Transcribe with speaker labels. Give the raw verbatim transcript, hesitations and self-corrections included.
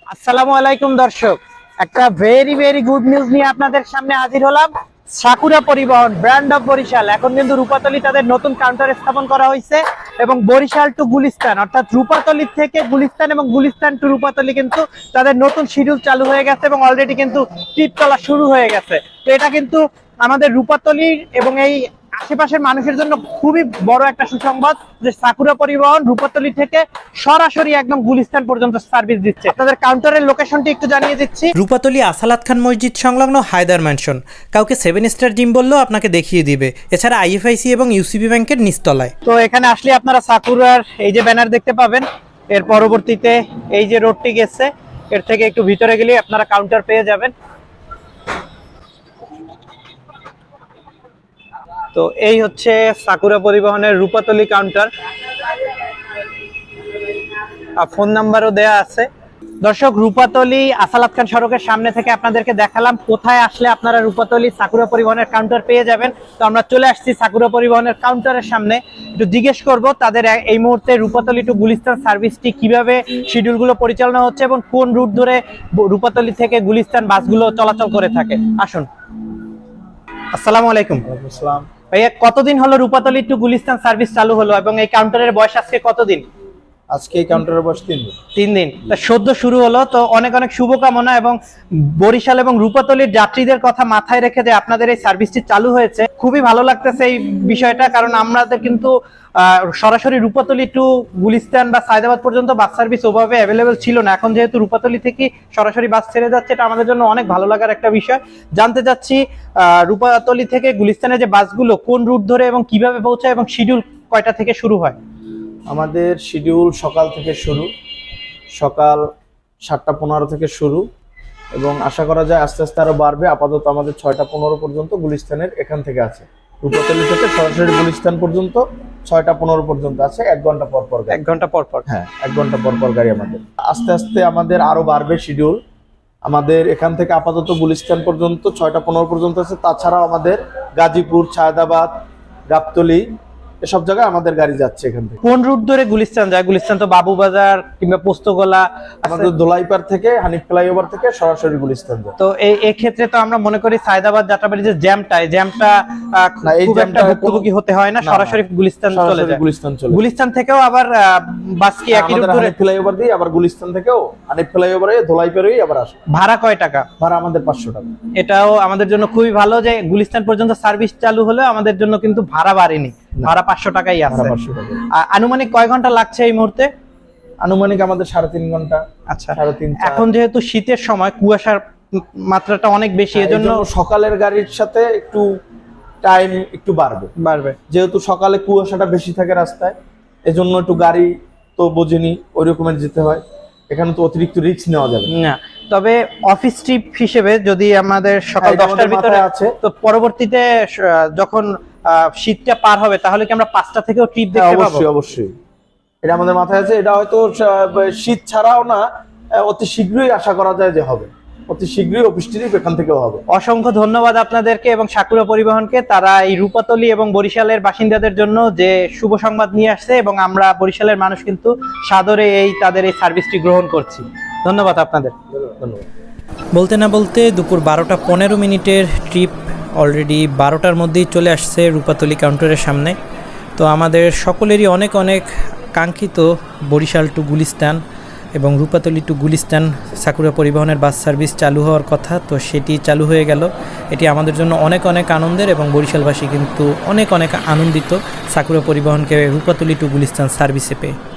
Speaker 1: আসসালামু আলাইকুম দর্শক, একটা ভেরি ভেরি গুড নিউজ নিয়ে আপনাদের সামনে হাজির হলাম। সাকুরা পরিবহন ব্র্যান্ড অফ বরিশাল এখন কিন্তু রূপাতলী তাদের নতুন কাউন্টার স্থাপন করা হয়েছে এবং বরিশাল টু গুলিস্তান অর্থাৎ রূপাতলী থেকে গুলিস্তান এবং গুলিস্তান টু রূপাতলী কিন্তু তাদের নতুন শিডিউল চালু হয়ে গেছে এবং অলরেডি কিন্তু ট্রিপ চলা শুরু হয়ে গেছে। তো এটা কিন্তু আমাদের রূপাতলীর এবং এই আশেপাশের মানুষের জন্য খুবই বড় একটা সুসংবাদ যে সাকুরা পরিবহন রূপাতলী থেকে সরাসরি একদম গুলিস্তান পর্যন্ত সার্ভিস দিচ্ছে। আপনাদের কাউন্টারের লোকেশনটি একটু জানিয়ে দিচ্ছি।
Speaker 2: রূপাতলী আসালাত খান মসজিদ সংলগ্ন হায়দার ম্যানশন। কাউকে সেভেন স্টার জিম বললেও আপনাকে দেখিয়ে দিবে। এছাড়া আইএফআইসি এবং ইউসিবি ব্যাংকের নিচতলায়।
Speaker 1: তো এখানে আসলে আপনারা সাকুরার এই যে ব্যানার দেখতে পাবেন, এর পরবর্তীতে এই যে রোডটি গেছে এর থেকে একটু ভিতরে গেলে আপনারা কাউন্টার পেয়ে যাবেন। তো এই হচ্ছে সাকুরা পরিবহনের রূপাতলী কাউন্টার, আর ফোন নাম্বারও দেয়া আছে। দর্শক, রূপাতলী আসালাত খান সড়কের সামনে থেকে আপনাদেরকে দেখালাম কোথায় আসলে আপনারা রূপাতলী সাকুরা পরিবহনের কাউন্টার পেয়ে যাবেন। তো আমরা চলে আসছি সাকুরা পরিবহনের কাউন্টারের সামনে, একটু জিজ্ঞেস করব তাদের এই মুহূর্তে রূপাতলী টু গুলিস্তান সার্ভিসটি কিভাবে শিডিউলগুলো পরিচালনা হচ্ছে এবং কোন রুট ধরে রূপাতলী থেকে গুলিস্তান বাসগুলো চলাচল করে থাকে। আসুন। আসসালামু আলাইকুম।
Speaker 3: আসসালাম
Speaker 1: ভাইয়া, কতদিন হলো রূপাতলী টু গুলিস্তান সার্ভিস চালু হলো এবং এই কাউন্টারের বয়স আজকে কতদিন?
Speaker 3: আজকে এই কাউন্টারের বয়স তিন দিন
Speaker 1: তিন দিন তা সদ্য শুরু হলো। তো অনেক অনেক শুভকামনা এবং বরিশাল এবং রূপাতলীর যাত্রীদের কথা মাথায় রেখে যে আপনাদের এই সার্ভিসটি চালু হয়েছে, খুবই ভালো লাগতেছে এই বিষয়টা। কারণ আমাদের কিন্তু সরাসরি রূপাতলী টু গুলিস্তান বা সায়দাবাদ পর্যন্ত বাস সার্ভিস ওভাবে অ্যাভেলেবেল ছিল না। এখন যেহেতু রূপাতলী থেকে সরাসরি বাস ছেড়ে যাচ্ছে, এটা আমাদের জন্য অনেক ভালো লাগার একটা বিষয়। জানতে চাচ্ছি রূপাতলী থেকে গুলিস্তানের যে বাসগুলো কোন রুট ধরে এবং কিভাবে পৌঁছায় এবং শিডিউল কয়টা থেকে শুরু হয়?
Speaker 3: আমাদের শিডিউল সকাল থেকে শুরু, সকাল সাতটা পনেরো থেকে শুরু এবং আশা করা যায় আস্তে আস্তে আরো বাড়বে। আপাতত আমাদের ছয়টা পনেরো পর্যন্ত গুলিস্তানের এখান থেকে আছে। রূপাতলী থেকে সরাসরি গুলিস্তান পর্যন্ত ছয়টা পনেরো পর্যন্ত আছে, এক ঘন্টা পর পর
Speaker 1: এক ঘন্টা পর পর
Speaker 3: হ্যাঁ এক ঘন্টা পর পর গাড়ি আমাদের। আস্তে আস্তে আমাদের আরো বাড়বে শিডিউল। আমাদের এখান থেকে আপাতত গুলিস্তান পর্যন্ত ছয়টা পনেরো পর্যন্ত আছে। তাছাড়াও আমাদের গাজীপুর, সায়দাবাদ, গাবতলী এসব জায়গায় আমাদের গাড়ি যাচ্ছে এখান থেকে।
Speaker 1: কোন রুট ধরে গুলিস্তান যায়? গুলিস্তান তো বাবুবাজার কিংবা পোস্তগোলা,
Speaker 3: আমাদের দোলাইপাড় থেকে হানিফ ফ্লাইওভার থেকে সরাসরি গুলিস্তান যায়।
Speaker 1: তো এই এই ক্ষেত্রে তো আমরা মনে করি সায়দাবাদ যাত্রাবাড়ি যে জ্যামটা, এই জ্যামটা
Speaker 3: না, এই
Speaker 1: খুব একটা ভুক্তভোগী হতে হয় না, সরাসরি গুলিস্তান চলে যায়।
Speaker 3: গুলিস্তান চলে
Speaker 1: গুলিস্তান থেকেও আবার বাস কি একই রুট ধরে?
Speaker 3: হানিফ ফ্লাইওভার দিয়ে আবার গুলিস্তান থেকেও হানিফ ফ্লাইওভারে দোলাইপাড়েই আবার আসে।
Speaker 1: ভাড়া কয় টাকা?
Speaker 3: ভাড়া আমাদের পাঁচশো টাকা।
Speaker 1: এটাও আমাদের জন্য খুবই ভালো যে গুলিস্তান পর্যন্ত সার্ভিস চালু হলে আমাদের জন্য কিন্তু ভাড়া বাড়েনি, ভাড়া পাঁচশো টাকাই আছে। আনুমানিক কয় ঘন্টা লাগছে এই মুহূর্তে?
Speaker 3: আনুমানিক আমাদের সাড়ে তিন ঘন্টা।
Speaker 1: আচ্ছা,
Speaker 3: সাড়ে তিন।
Speaker 1: এখন যেহেতু শীতের সময় কুয়াশার মাত্রাটা অনেক বেশি, এজন্য
Speaker 3: সকালের গাড়ির সাথে একটু টাইম একটু বাড়বে
Speaker 1: বাড়বে
Speaker 3: যেহেতু সকালে কুয়াশাটা বেশি থাকে রাস্তায়, এজন্য একটু গাড়ি তো বোঝেনি ওই রকমের যেতে হয়। এখানে তো অতিরিক্ত রিস্ক নেওয়া যাবে
Speaker 1: না। তবে অফিস ট্রিপ হিসেবে যদি আমাদের সকাল দশটার ভিতরে
Speaker 3: আছে,
Speaker 1: তো পরবর্তীতে যখন শীতটা পার হবে তাহলে কি আমরা পাঁচটা থেকেও ট্রিপ দেখতে পাবো?
Speaker 3: অবশ্যই অবশ্যই, এটা আমাদের মাথায় আছে। এটা হয়তো শীত ছাড়াও না, অতি শীঘ্রই আশা করা যায় যে হবে, অতি শীঘ্রই অফিস ট্রিপ এখান থেকেও হবে।
Speaker 1: অসংখ্য ধন্যবাদ আপনাদেরকে এবং সাকুরা পরিবহনকে, তারা এই রূপাতলী এবং বরিশালের বাসিন্দাদের জন্য যে শুভ সংবাদ নিয়ে আসছে এবং আমরা বরিশালের মানুষ কিন্তু সাদরে এই তাদের এই সার্ভিসটি গ্রহণ করছি। ধন্যবাদ আপনাদের।
Speaker 3: ধন্যবাদ।
Speaker 2: বলতে না বলতে দুপুর বারোটা পনেরো মিনিটের ট্রিপ অলরেডি বারোটার মধ্যেই চলে আসছে রূপাতলী কাউন্টারের সামনে। তো আমাদের সকলেরই অনেক অনেক কাঙ্ক্ষিত বরিশাল টু গুলিস্তান এবং রূপাতলী টু গুলিস্তান সাকুরা পরিবহনের বাস সার্ভিস চালু হওয়ার কথা, তো সেটি চালু হয়ে গেল। এটি আমাদের জন্য অনেক অনেক আনন্দের এবং বরিশালবাসী কিন্তু অনেক অনেক আনন্দিত সাকুরা পরিবহনকে রূপাতলী টু গুলিস্তান সার্ভিসে পেয়ে।